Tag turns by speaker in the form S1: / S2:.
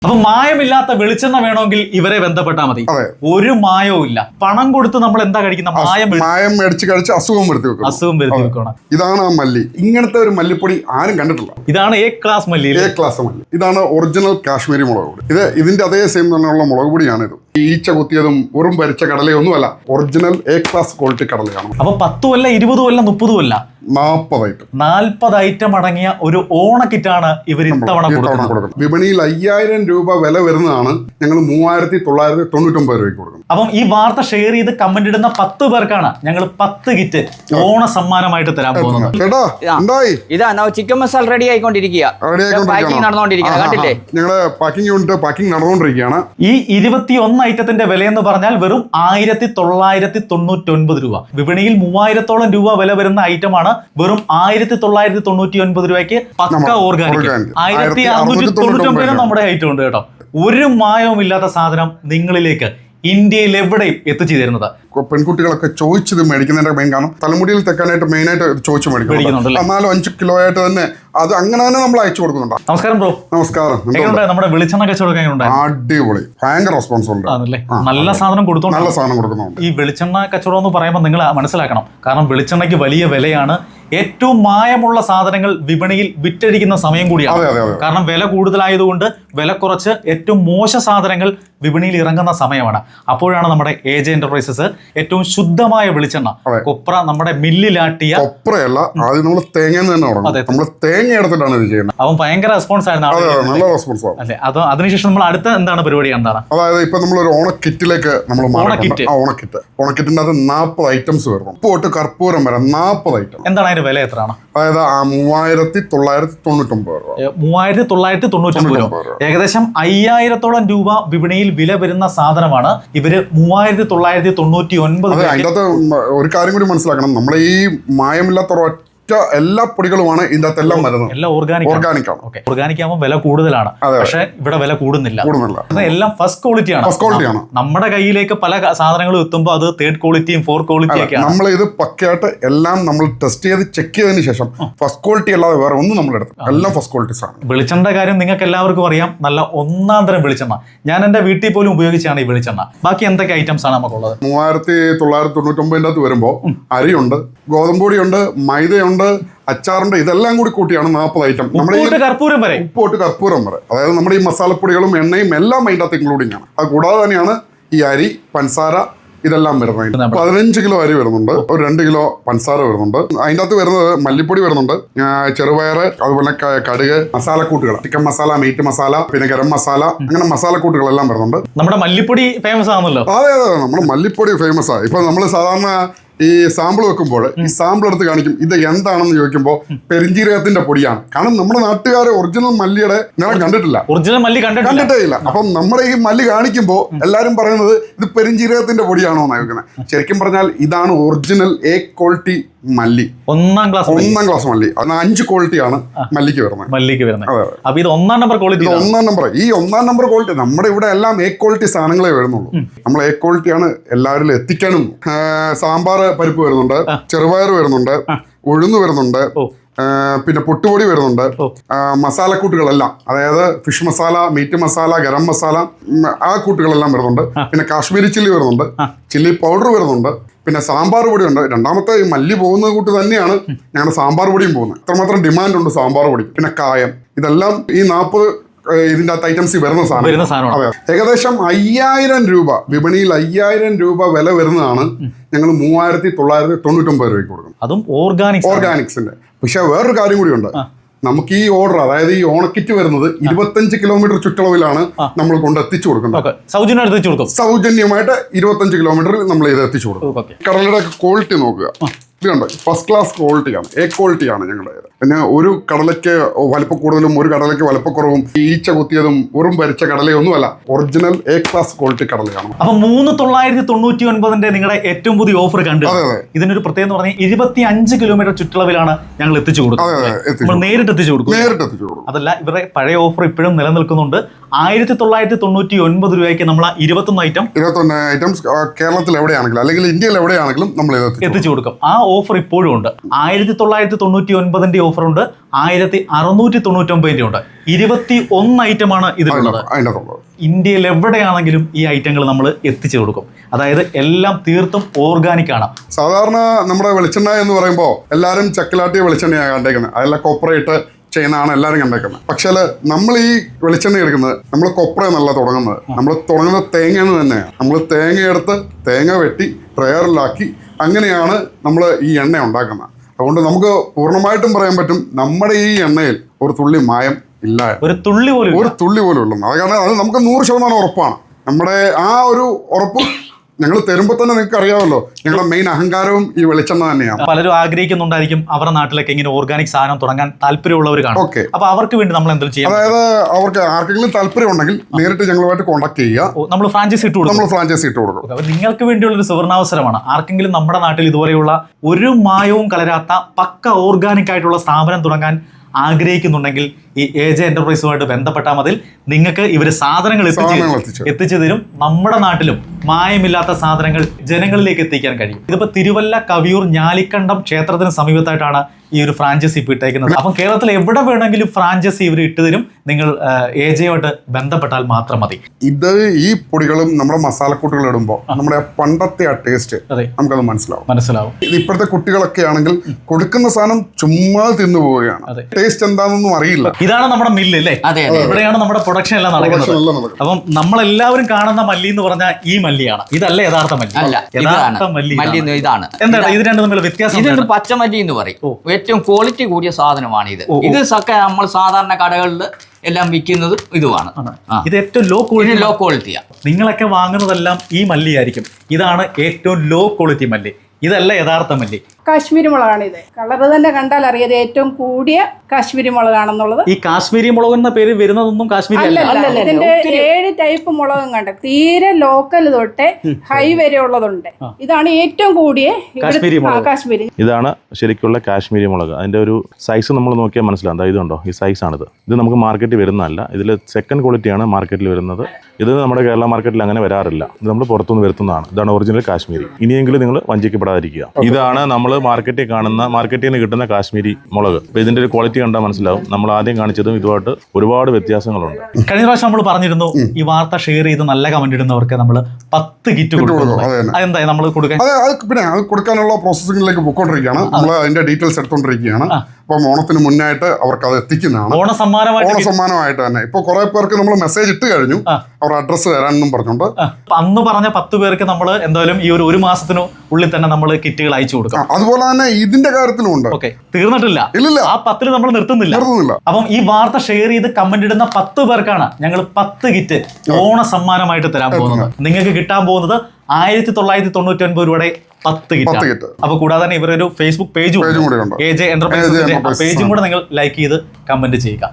S1: അപ്പൊ മായമില്ലാത്ത വെളിച്ചെണ്ണ വേണമെങ്കിൽ ഇവരെ ബന്ധപ്പെട്ടാൽ മതി. ഒരു മായവും ഇല്ല. പണം കൊടുത്ത് നമ്മൾ എന്താ കഴിക്കുന്ന?
S2: മായം മേടിച്ച് കഴിച്ച് അസുഖം വരുത്തി വെക്കണം. ഇതാണ് ആ മല്ലി. ഇങ്ങനത്തെ ഒരു മല്ലിപ്പൊടി ആരും കണ്ടിട്ടില്ല.
S1: ഇതാണ് എ ക്ലാസ് മല്ലി.
S2: മല്ലി. ഇതാണ് ഒറിജിനൽ കാശ്മീരി മുളക് പൊടി. ഇതിന്റെ അതേ സെയിം തന്നെയുള്ള മുളക് പൊടിയാണ് ഇത്. ഈച്ച കുത്തിയതും വെറും ഭരിച്ച കടലയൊന്നുമല്ല, ഒറിജിനൽ എ ക്ലാസ് ക്വാളിറ്റി കടലയാണ്.
S1: അപ്പൊ 10 അല്ല 20 അല്ല 30 അല്ല 40 ഐറ്റം അടങ്ങിയ ഒരു ഓണക്കിറ്റാണ് ഇവർ ഇത്തവണ കൊടുക്കുന്നത്.
S2: വിപണിയിൽ 5000 രൂപ വില വരുന്നതാണ് ഞങ്ങൾ 3999 രൂപയ്ക്ക് കൊടുക്കുന്നത്.
S1: അപ്പം ഈ വാർത്ത ഷെയർ ചെയ്ത് കമന്റ് ഇടുന്ന 10 പേർക്കാണ് ഞങ്ങൾ 10 കിറ്റ് ഓണ സമ്മാനമായിട്ട് തരാൻ പോകുന്നത്.
S3: ഇതാ ചിക്കൻ മസാല റെഡി ആയിക്കൊണ്ടിരിക്കുക.
S2: ഞങ്ങളുടെ പാക്കിംഗ് യൂണിറ്റ് പാക്കിംഗ് നടന്നുകൊണ്ടിരിക്കുകയാണ്.
S1: ഈ 21 ഐറ്റത്തിന്റെ വില എന്ന് പറഞ്ഞാൽ വെറും 1999 രൂപ. വിപണിയിൽ 3000-ഓളം രൂപ വില വരുന്ന ഐറ്റമാണ് വെറും 1999 രൂപയ്ക്ക് പക്ക ഓർഗാനിക്. 1699 നമ്മുടെ ഐറ്റം ഉണ്ട് കേട്ടോ. ഒരു മായവും ഇല്ലാത്ത സാധനം നിങ്ങളിലേക്ക് ഇന്ത്യയിൽ എവിടെയും എത്തിച്ചു തരുന്നത്.
S2: പെൺകുട്ടികളൊക്കെ ചോദിച്ചത് മേടിക്കുന്നതിന്റെ മെയിൻ കാരണം തലമുടിയിൽ തെക്കാനായിട്ട് മെയിനായിട്ട് ചോദിച്ചു മേടിക്കുന്നുണ്ട്. 4-5 കിലോ ആയിട്ട് തന്നെ അത് അങ്ങനെ തന്നെ നമ്മൾ അയച്ചു കൊടുക്കുന്നുണ്ട്.
S1: നമസ്കാരം ബ്രോ.
S2: നമസ്കാരം.
S1: നമ്മുടെ വെളിച്ചെണ്ണ കച്ചവടം
S2: അടിപൊളി, ഭയങ്കര റെസ്പോൺസ് ഉണ്ട്.
S1: നല്ല സാധനം
S2: കൊടുക്കുന്നുണ്ട്.
S1: ഈ വെളിച്ചെണ്ണ കച്ചവടം എന്ന് പറയുമ്പോൾ നിങ്ങൾ മനസ്സിലാക്കണം, കാരണം വെളിച്ചെണ്ണയ്ക്ക് വലിയ വിലയാണ്. ഏറ്റവും മായമുള്ള സാധനങ്ങൾ വിപണിയിൽ വിറ്റഴിക്കുന്ന സമയം കൂടിയാണ്. കാരണം വില കൂടുതലായതുകൊണ്ട് വില കുറച്ച് ഏറ്റവും മോശ സാധനങ്ങൾ വിപണിയിൽ ഇറങ്ങുന്ന സമയമാണ്. അപ്പോഴാണ് നമ്മുടെ AJ എന്റർപ്രൈസസ് ഏറ്റവും ശുദ്ധമായ വെളിച്ചെണ്ണ കൊപ്ര നമ്മുടെ മില്ലിലാട്ടിയ
S2: കൊപ്രയല്ല, ആദ്യം നമ്മൾ തേങ്ങ തേങ്ങ എടുത്തിട്ടാണ് ഇത് ചെയ്യുന്നത്.
S1: അവൻ ഭയങ്കര റെസ്പോൺസ് ആയിരുന്നു.
S2: നല്ല റെസ്പോൺസ് ആണ്.
S1: അല്ലെ, അത് അതിനുശേഷം നമ്മൾ അടുത്ത എന്താണ് പരിപാടി? എന്താണ്?
S2: അതായത് ഇപ്പൊ നമ്മളൊരു ഓണക്കിറ്റിലേക്ക് നമ്മൾ ഓണക്കിറ്റിന്റെ അത് 40 ഐറ്റംസ് വരുന്നു. പോട്ട് കർപ്പൂരം വരെ 40 ഐറ്റം.
S1: എന്താണ് അതിന്റെ വില? എത്രയാണ്?
S2: അതായത് 3999 രൂപ.
S1: 3999 രൂപ. ഏകദേശം 5000-ഓളം രൂപ വിപണിയിൽ വില വരുന്ന സാധനമാണ് ഇവര് 3999.
S2: അതിന്റെ അകത്ത് ഒരു കാര്യം കൂടി മനസ്സിലാക്കണം, നമ്മുടെ ഈ മായമില്ലാത്ത എല്ലാ പൊടികളുമാണ് ഇതിന്റെ അകത്തെല്ലാം വരുന്നത്.
S1: എല്ലാം ഓർഗാനിക് ആണ്. ഓർഗാനിക് ആകുമ്പോൾ വില കൂടുതലാണ്, പക്ഷെ ഇവിടെ വില കൂടുന്നില്ല. എല്ലാം ഫസ്റ്റ് ക്വാളിറ്റിയാണ്. നമ്മുടെ കയ്യിലേക്ക് പല സാധനങ്ങളും എത്തുമ്പോൾ അത് 3rd ക്വാളിറ്റിയും 4th ക്വാളിറ്റിയും ഒക്കെയാണ്.
S2: നമ്മൾ ഇത് പക്കയായിട്ട് എല്ലാം നമ്മൾ ടെസ്റ്റ് ചെയ്ത് ചെക്ക് ചെയ്തതിന് ശേഷം ഫസ്റ്റ് ക്വാളിറ്റി അല്ലാതെ വേറെ ഒന്നും നമ്മൾ എടുത്തു, എല്ലാം ഫസ്റ്റ് ക്വാളിറ്റീസ് ആണ്.
S1: വെളിച്ചെണ്ണ കാര്യം നിങ്ങൾക്ക് എല്ലാവർക്കും അറിയാം, നല്ല ഒന്നാം തരം വെളിച്ചെണ്ണ. ഞാൻ എന്റെ വീട്ടിൽ പോലും ഉപയോഗിച്ചാണ് ഈ വെളിച്ചെണ്ണ. ബാക്കി എന്തൊക്കെ ഐറ്റംസ് ആണ് നമുക്കുള്ളത്?
S2: 3999 വരുമ്പോൾ അരിയുണ്ട്, ഗോതമ്പൊടിയുണ്ട്, മൈദയുണ്ട്, അച്ചാറുണ്ട്. ഇതെല്ലാം കൂടി കൂട്ടിയാണ് 40 ഐറ്റം.
S1: ഉപ്പോട്ട് കർപ്പൂരം വരെ.
S2: അതായത് നമ്മുടെ ഈ മസാലപ്പൊടികളും എണ്ണയും എല്ലാം അതിൻ്റെ അകത്ത് ഇൻക്ലൂഡിംഗ് ആണ്. അത് കൂടാതെ തന്നെയാണ് ഈ അരി, പഞ്ചസാര ഇതെല്ലാം വരുന്നത്. 15 കിലോ അരി വരുന്നുണ്ട്, ഒരു 2 കിലോ പഞ്ചസാര വരുന്നുണ്ട്. അതിൻ്റെ അകത്ത് വരുന്നത് മല്ലിപ്പൊടി വരുന്നുണ്ട്, ചെറുപയറ്, അതുപോലെ കടുക്, മസാലക്കൂട്ടുകൾ, ചിക്കൻ മസാല, മീറ്റ് മസാല, പിന്നെ ഗരം മസാല, അങ്ങനെ മസാലക്കൂട്ടുകളെല്ലാം വരുന്നുണ്ട്.
S1: നമ്മുടെ മല്ലിപ്പൊടി ഫേമസ് ആണല്ലോ.
S2: അതെ, നമ്മുടെ മല്ലിപ്പൊടി ഫേമസ് ആണ്. ഇപ്പൊ നമ്മൾ സാധാരണ ഈ സാമ്പിൾ വെക്കുമ്പോൾ ഈ സാമ്പിൾ എടുത്ത് കാണിക്കും, ഇത് എന്താണെന്ന് ചോദിക്കുമ്പോൾ പെരിഞ്ജീരകത്തിന്റെ പൊടിയാണ്. കാരണം നമ്മുടെ നാട്ടുകാരെ ഒറിജിനൽ മല്ലിയുടെ ഞാൻ കണ്ടിട്ടില്ല, കണ്ടിട്ടേ ഇല്ല. അപ്പം നമ്മുടെ ഈ മല്ലി കാണിക്കുമ്പോൾ എല്ലാരും പറയുന്നത് ഇത് പെരിഞ്ജീരകത്തിന്റെ പൊടിയാണോ എന്ന് ചോദിക്കുന്നത്. ശരിക്കും പറഞ്ഞാൽ ഇതാണ് ഒറിജിനൽ എ ക്വാളിറ്റി മല്ലി, ഒന്നാം ക്ലാസ് മല്ലി. അതിന് 5 ക്വാളിറ്റിയാണ് മല്ലിക്ക് വരുന്നത്.
S1: അപ്പൊ ഇത് ഒന്നാം നമ്പർ ക്വാളിറ്റി.
S2: ഈ ഒന്നാം നമ്പർ ക്വാളിറ്റി നമ്മുടെ ഇവിടെ എല്ലാം എ ക്വാളിറ്റി സാധനങ്ങളെ വരുന്നുള്ളൂ. നമ്മൾ എ ക്വാളിറ്റിയാണ് എല്ലാവരിലും എത്തിക്കാനും. സാമ്പാർ പരിപ്പ് വരുന്നുണ്ട്, ചെറുപയർ വരുന്നുണ്ട്, ഉഴുന്ന് വരുന്നുണ്ട്, പിന്നെ പൊട്ടുപൊടി വരുന്നുണ്ട്, മസാലക്കൂട്ടുകളെല്ലാം, അതായത് ഫിഷ് മസാല, മീറ്റ് മസാല, ഗരം മസാല, ആ കൂട്ടുകളെല്ലാം വരുന്നുണ്ട്. പിന്നെ കാശ്മീരി ചില്ലി വരുന്നുണ്ട്, ചില്ലി പൗഡർ വരുന്നുണ്ട്, പിന്നെ സാമ്പാർ പൊടിയുണ്ട്. രണ്ടാമത്തെ ഈ മല്ലി പോകുന്ന കൂട്ട് തന്നെയാണ് ഞങ്ങളുടെ സാമ്പാർ പൊടിയും പോകുന്നത്. ഇത്രമാത്രം ഡിമാൻഡ് ഉണ്ട് സാമ്പാർ പൊടി. പിന്നെ കായം, ഇതെല്ലാം ഈ 40 ഇതിന്റെ അകത്ത് ഐറ്റംസ് വരുന്ന സാധനം. അതെ, ഏകദേശം 5000 രൂപ വിപണിയിൽ 5000 രൂപ വില വരുന്നതാണ് ഞങ്ങൾ 3999 രൂപയ്ക്ക് കൊടുക്കുന്നത്.
S1: അതും ഓർഗാനിക്സിന്റെ.
S2: പക്ഷെ വേറൊരു കാര്യം കൂടി ഉണ്ട്. നമുക്ക് ഈ ഓർഡർ, അതായത് ഈ ഓണക്കിറ്റ് വരുന്നത് 25 കിലോമീറ്റർ ചുറ്റളവിലാണ് നമ്മൾ കൊണ്ട് എത്തിച്ചു കൊടുക്കുന്നത്. സൗജന്യമായിട്ട് 25 കിലോമീറ്ററിൽ നമ്മൾ ഇത് എത്തിച്ചു കൊടുക്കും. കടലയുടെ ക്വാളിറ്റി നോക്കുക, ഇതുണ്ട്, ഫസ്റ്റ് ക്ലാസ് ക്വാളിറ്റിയാണ്, എ ക്വാളിറ്റിയാണ് ഞങ്ങളുടെ. പിന്നെ ഒരു കടലയ്ക്ക് വലിപ്പ കൂടുതലും ഒരു കടലയ്ക്ക് വലിപ്പക്കുറവും ഈച്ച കുത്തിയതും വെറും ഭരിച്ച കടലയൊന്നുമല്ല, ഒറിജിനൽ എ ക്ലാസ് ക്വാളിറ്റി കടലയാണ്.
S1: അപ്പൊ 3999 നിങ്ങളുടെ ഏറ്റവും പുതിയ ഓഫർ കണ്ടു. ഇതിനൊരു പ്രത്യേകത എന്ന് പറഞ്ഞാൽ 25 കിലോമീറ്റർ ചുറ്റളവിലാണ് ഞങ്ങൾ എത്തിച്ചു കൊടുക്കുന്നത്. നേരിട്ട് എത്തിച്ചു കൊടുക്കും. അതല്ല, ഇവരുടെ പഴയ ഓഫർ ഇപ്പോഴും നിലനിൽക്കുന്നുണ്ട്. 1999 രൂപയ്ക്ക് നമ്മൾ 21 ഐറ്റംസ്
S2: കേരളത്തിൽ എവിടെയാണെങ്കിലും അല്ലെങ്കിൽ ഇന്ത്യയിൽ എവിടെയാണെങ്കിലും നമ്മൾ
S1: എത്തിച്ചു കൊടുക്കും. ആ ഓഫർ ഇപ്പോഴും ഉണ്ട്. 1999 ഓഫർ ഉണ്ട്, 1699 ഉണ്ട്. 21 ഐറ്റമാണ് ഇതിലുള്ളത്. ഇന്ത്യയിൽ എവിടെയാണെങ്കിലും ഈ ഐറ്റങ്ങൾ നമ്മൾ എത്തിച്ചു കൊടുക്കും. അതായത് എല്ലാം തീർത്തും ഓർഗാനിക് ആണ്.
S2: സാധാരണ നമ്മുടെ വെളിച്ചെണ്ണ എന്ന് പറയുമ്പോൾ എല്ലാവരും ചക്കിലാട്ടിയ വെളിച്ചെണ്ണയാണ് കണ്ടേക്കുന്നത്, അതെല്ലാം കൊപ്രയിട്ട് ചെയ്യുന്നതാണ് എല്ലാവരും കണ്ടേക്കുന്നത്. പക്ഷേ നമ്മൾ ഈ വെളിച്ചെണ്ണ എടുക്കുന്നത് നമ്മൾ കൊപ്ര എന്നല്ല തുടങ്ങുന്നത്. നമ്മൾ തുടങ്ങുന്നത് തേങ്ങയെന്ന് തന്നെയാണ്. നമ്മൾ തേങ്ങയെടുത്ത് തേങ്ങ വെട്ടി ട്രയറിലാക്കി അങ്ങനെയാണ് നമ്മൾ ഈ എണ്ണ ഉണ്ടാക്കുന്നത്. അതുകൊണ്ട് നമുക്ക് പൂർണ്ണമായിട്ടും പറയാൻ പറ്റും നമ്മുടെ ഈ എണ്ണയിൽ ഒരു തുള്ളി മായം ഇല്ല,
S1: ഒരു തുള്ളി പോലും
S2: ഉള്ളൂ. അത് കാരണം അത് നമുക്ക് 100% ഉറപ്പാണ്. നമ്മുടെ ആ ഒരു ഉറപ്പ് ഞങ്ങൾ തരുമ്പോൾ തന്നെ നിങ്ങൾക്ക് അറിയാമല്ലോ, ഞങ്ങളുടെ മെയിൻ അഹങ്കാരവും ഈ വെളിച്ചെണ്ണ തന്നെയാണ്.
S1: പലരും ആഗ്രഹിക്കുന്നുണ്ടായിരിക്കും അവരുടെ നാട്ടിലൊക്കെ ഇങ്ങനെ ഓർഗാനിക് സാധനം തുടങ്ങാൻ താല്പര്യമുള്ളവർ കാണും.
S2: ഓക്കെ,
S1: അപ്പൊ അവർക്ക് വേണ്ടി നമ്മൾ എന്തെങ്കിലും ചെയ്യാം?
S2: അതായത് അവർക്ക് ആർക്കെങ്കിലും താല്പര്യം ഉണ്ടെങ്കിൽ നേരിട്ട് ഞങ്ങളുമായിട്ട് കോൺടാക്ട് ചെയ്യുക.
S1: നമ്മൾ ഫ്രാഞ്ചൈസി ഇട്ട്
S2: കൊടുക്കും.
S1: അപ്പൊ നിങ്ങൾക്ക് വേണ്ടിയുള്ള ഒരു സുവർണാവസരമാണ്. ആർക്കെങ്കിലും നമ്മുടെ നാട്ടിൽ ഇതുപോലെയുള്ള ഒരു മായവും കലരാത്ത പക്ക ഓർഗാനിക് ആയിട്ടുള്ള സ്ഥാപനം തുടങ്ങാൻ ആഗ്രഹിക്കുന്നുണ്ടെങ്കിൽ ഈ AJ എന്റർപ്രൈസുമായിട്ട് ബന്ധപ്പെട്ടാൽ മതി. നിങ്ങൾക്ക് ഇവർ സാധനങ്ങൾ എത്തിച്ചു തരും. നമ്മുടെ നാട്ടിലും മായമില്ലാത്ത സാധനങ്ങൾ ജനങ്ങളിലേക്ക് എത്തിക്കാൻ കഴിയും. ഇതിപ്പോ തിരുവല്ല കവിയൂർ ഞാലിക്കണ്ടം ക്ഷേത്രത്തിന് സമീപത്തായിട്ടാണ് ഈ ഒരു ഫ്രാഞ്ചൈസി ഇപ്പൊ ഇട്ടേക്കുന്നത്. അപ്പം കേരളത്തിൽ എവിടെ വേണമെങ്കിലും ഫ്രാഞ്ചൈസി ഇവർ ഇട്ടുതരും. നിങ്ങൾ AJയുമായിട്ട് ബന്ധപ്പെട്ടാൽ മാത്രം മതി.
S2: ഇത് ഈ പൊടികളും നമ്മുടെ മസാലക്കൂട്ടുകൾ ഇടുമ്പോൾ നമ്മുടെ പണ്ടത്തെ ആ ടേസ്റ്റ് നമുക്കത് മനസ്സിലാവും. ഇത് ഇപ്പോഴത്തെ കുട്ടികളൊക്കെ ആണെങ്കിൽ കൊടുക്കുന്ന സാധനം ചുമ്മാ തിന്നു പോവുകയാണ്. ടേസ്റ്റ് എന്താണെന്നൊന്നും അറിയില്ല.
S1: ഇതാണ് നമ്മുടെ മില്ല് അല്ലേ? ഇവിടെയാണ് നമ്മുടെ പ്രൊഡക്ഷൻ എല്ലാം നടക്കുന്നത്. അപ്പം നമ്മളെല്ലാവരും കാണുന്ന മല്ലി എന്ന് പറഞ്ഞാൽ ഈ മല്ലിയാണ്. ഇതല്ല യഥാർത്ഥ മല്ലി. യഥാർത്ഥ മല്ലി
S3: ഇതാണ്.
S1: എന്താണ് ഇത് രണ്ടും തമ്മിലുള്ള വ്യത്യാസം?
S3: ഇത് പച്ചമല്ലി എന്ന് പറയും. ഏറ്റവും ക്വാളിറ്റി കൂടിയ സാധനമാണ് ഇത്. ഇത് നമ്മൾ സാധാരണ കടകളിൽ എല്ലാം വിൽക്കുന്നത് ഇതുമാണ്.
S1: ഇത് ഏറ്റവും ലോ
S3: ക്വാളിറ്റിയാണ്.
S1: നിങ്ങളൊക്കെ വാങ്ങുന്നതെല്ലാം ഈ മല്ലിയായിരിക്കും. ഇതാണ് ഏറ്റവും ലോ ക്വാളിറ്റി മല്ലി. ഇതല്ല യഥാർത്ഥ മല്ലി.
S4: കാശ്മീരി മുളകാണ് ഇത്. കളർ തന്നെ കണ്ടാൽ അറിയാതെ ഏറ്റവും കൂടിയ കാശ്മീരി മുളകാണെന്നുള്ളത്.
S1: ഈ കാശ്മീരി മുളക് എന്ന പേര് വരുന്നതൊന്നും കാശ്മീരി അല്ല.
S4: ഇതിന്റെ 7 ടൈപ്പ് മുളകും കണ്ട തീരെ ലോക്കൽ തൊട്ട് ഹൈ വരെ ഉള്ളതുണ്ട്. ഇതാണ് ഏറ്റവും കൂടിയ കാശ്മീരി.
S5: ഇതാണ് ശരിക്കുള്ള കാശ്മീരി മുളക്. അതിന്റെ ഒരു സൈസ് നമ്മൾ നോക്കിയാൽ മനസ്സിലാവും. ഇതുണ്ടോ, ഈ സൈസാണിത്. ഇത് നമുക്ക് മാർക്കറ്റിൽ വരുന്നതല്ല. ഇതിൽ സെക്കൻഡ് ക്വാളിറ്റിയാണ് മാർക്കറ്റിൽ വരുന്നത്. ഇത് നമ്മുടെ കേരള മാർക്കറ്റിൽ അങ്ങനെ വരാറില്ല. ഇത് നമ്മൾ പുറത്തുനിന്ന് വരുത്തുന്നതാണ്. ഇതാണ് ഒറിജിനൽ കാശ്മീരി. ഇനിയെങ്കിലും നിങ്ങൾ വഞ്ചിക്കപ്പെടാതിരിക്കുക. ഇതാണ് നമ്മൾ മാർക്കറ്റിൽ കാണുന്ന, മാർക്കറ്റിൽ നിന്ന് കിട്ടുന്ന കാശ്മീരി മുളക്. അപ്പൊ ഇതിന്റെ ഒരു ക്വാളിറ്റി കണ്ടാൽ മനസ്സിലാവും. നമ്മൾ ആദ്യം കാണിച്ചതും ഇതുമായിട്ട് ഒരുപാട് വ്യത്യാസങ്ങളുണ്ട്.
S1: കഴിഞ്ഞ പ്രാവശ്യം നമ്മൾ പറഞ്ഞിരുന്നു ഈ വാർത്ത ഷെയർ ചെയ്ത് നല്ല കമന്റ് ഇടുന്നവർക്ക് നമ്മൾ 10 കിറ്റ് കൊടുക്കുന്നു. അതെന്താ നമ്മൾ കൊടുക്കാൻ?
S2: പിന്നെ അത് കൊടുക്കാനുള്ള പ്രോസസ്സിംഗിലേക്ക് പോയിക്കൊണ്ടിരിക്കുകയാണ്. നമ്മൾ അതിന്റെ ഡീറ്റെയിൽസ് എടുത്തോണ്ടിരിക്കുകയാണ്. അപ്പം ഓണത്തിന് മുന്നായിട്ട് അവർക്ക് അത് എത്തിക്കുന്നതാണ്. ഓണസമ്മാനമായിട്ട് തന്നെ. ഇപ്പൊ കുറെ പേർക്ക് നമ്മൾ മെസ്സേജ് ഇട്ട് കഴിഞ്ഞു, അവർ അഡ്രസ്സ് തരാനെന്നും പറഞ്ഞുകൊണ്ട്.
S1: അന്ന് പറഞ്ഞ 10 പേർക്ക് നമ്മൾ എന്തായാലും ഈ ഒരു മാസത്തിനു ഉള്ളിൽ തന്നെ നമ്മൾ കിറ്റുകൾ അയച്ചു കൊടുക്കാം.
S2: അതുപോലെ തന്നെ ഇതിന്റെ കാര്യത്തിലും ഉണ്ട്.
S1: ഓക്കെ, തീർന്നിട്ടില്ല. ആ 10 നമ്മൾ നിർത്തുന്നില്ല. അപ്പം ഈ വാർത്ത ഷെയർ ചെയ്ത് കമന്റ് ഇടുന്ന 10 പേർക്കാണ് ഞങ്ങൾ 10 കിറ്റ് ഓണ സമ്മാനമായിട്ട് തരാൻ പോകുന്നത്. നിങ്ങൾക്ക് കിട്ടാൻ പോകുന്നത് 1999 രൂപയുടെ 10 കിറ്റ്. അപ്പൊ കൂടാതെ തന്നെ ഇവരൊരു ഫേസ്ബുക്ക് പേജും AJ എന്റർപ്രൈസസിന്റെ പേജും കൂടെ നിങ്ങൾ ലൈക്ക് ചെയ്ത് കമന്റ് ചെയ്യുക.